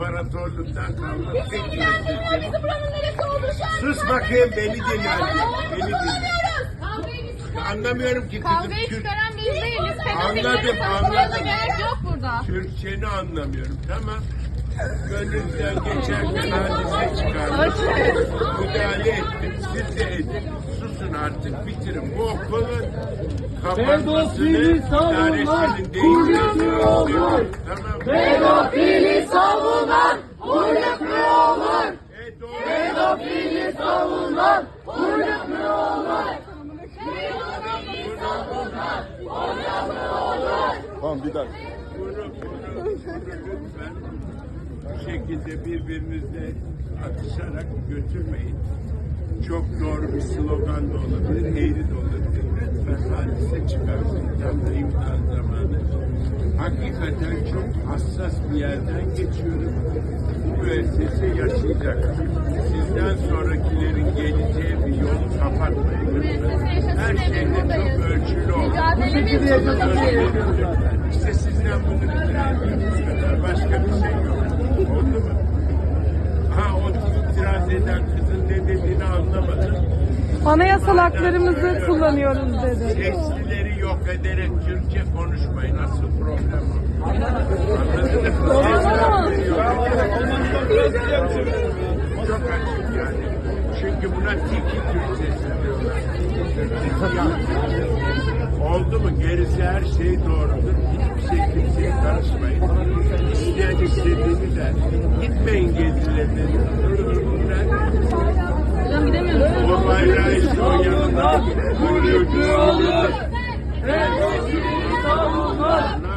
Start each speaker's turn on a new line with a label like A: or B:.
A: İmparatorluktan kalma tek bir sistem.
B: Bizi buranın neresi olduğunu şu an
A: Sus bakayım, beni dinle. Beni dinle.
B: anlamıyoruz.
A: Anlamıyorum ki kızım.
C: Kavgayı çıkaran biz değiliz.
A: Anladım, anladım.
C: Gerek yok burada.
A: Türkçeni anlamıyorum. Tamam. Gönlünüzden geçerken hadise çıkardım. Müdahale ettim. Siz de edin. Susun artık, bitirin. Bu okulun kapanmasını idaresinin değişmesini. Tamam.
B: Pedofili savunan uyruk mu olur?
A: Pedofili
B: savunan uyruk mu olur?
D: Tamam bir dakika.
A: Bunu lütfen bu şekilde birbirinizle atışarak götürmeyin. Çok doğru bir slogan da olabilir, eğri de olabilir. Lütfen hadise çıkarsın. Tam da imtihan zamanı. Hakikaten çok hassas bir yerden geçiyoruz. Bu müessese yaşayacak. Sizden sonrakilerin geleceği bir yolu kapatmayın lütfen. Her şeyde çok ölçülü olun. İşte sizden bunu rica ediyoruz. Başka bir şey yok. Oldu mu? Ha, o itiraz eden kızın ne dediğini anlamadım.
E: Anayasal haklarımızı kullanıyoruz dedi.
A: Seslileri yok ederek Türkçe konuşmayın. Asıl problem o. Anladınız mı? Seslileri yok ederek. Çok açık yani. Çünkü buna tiki Türkçesi diyorlar. Oldu mu? Gerisi her şey doğrudur. Hiçbir şey kimseye karışmayın. İsteyen istediğini der. Gitmeyin gezilerine.
C: Hocam gidemiyoruz.
A: O bayrağı işte o yanında. Bu çocuğu olur.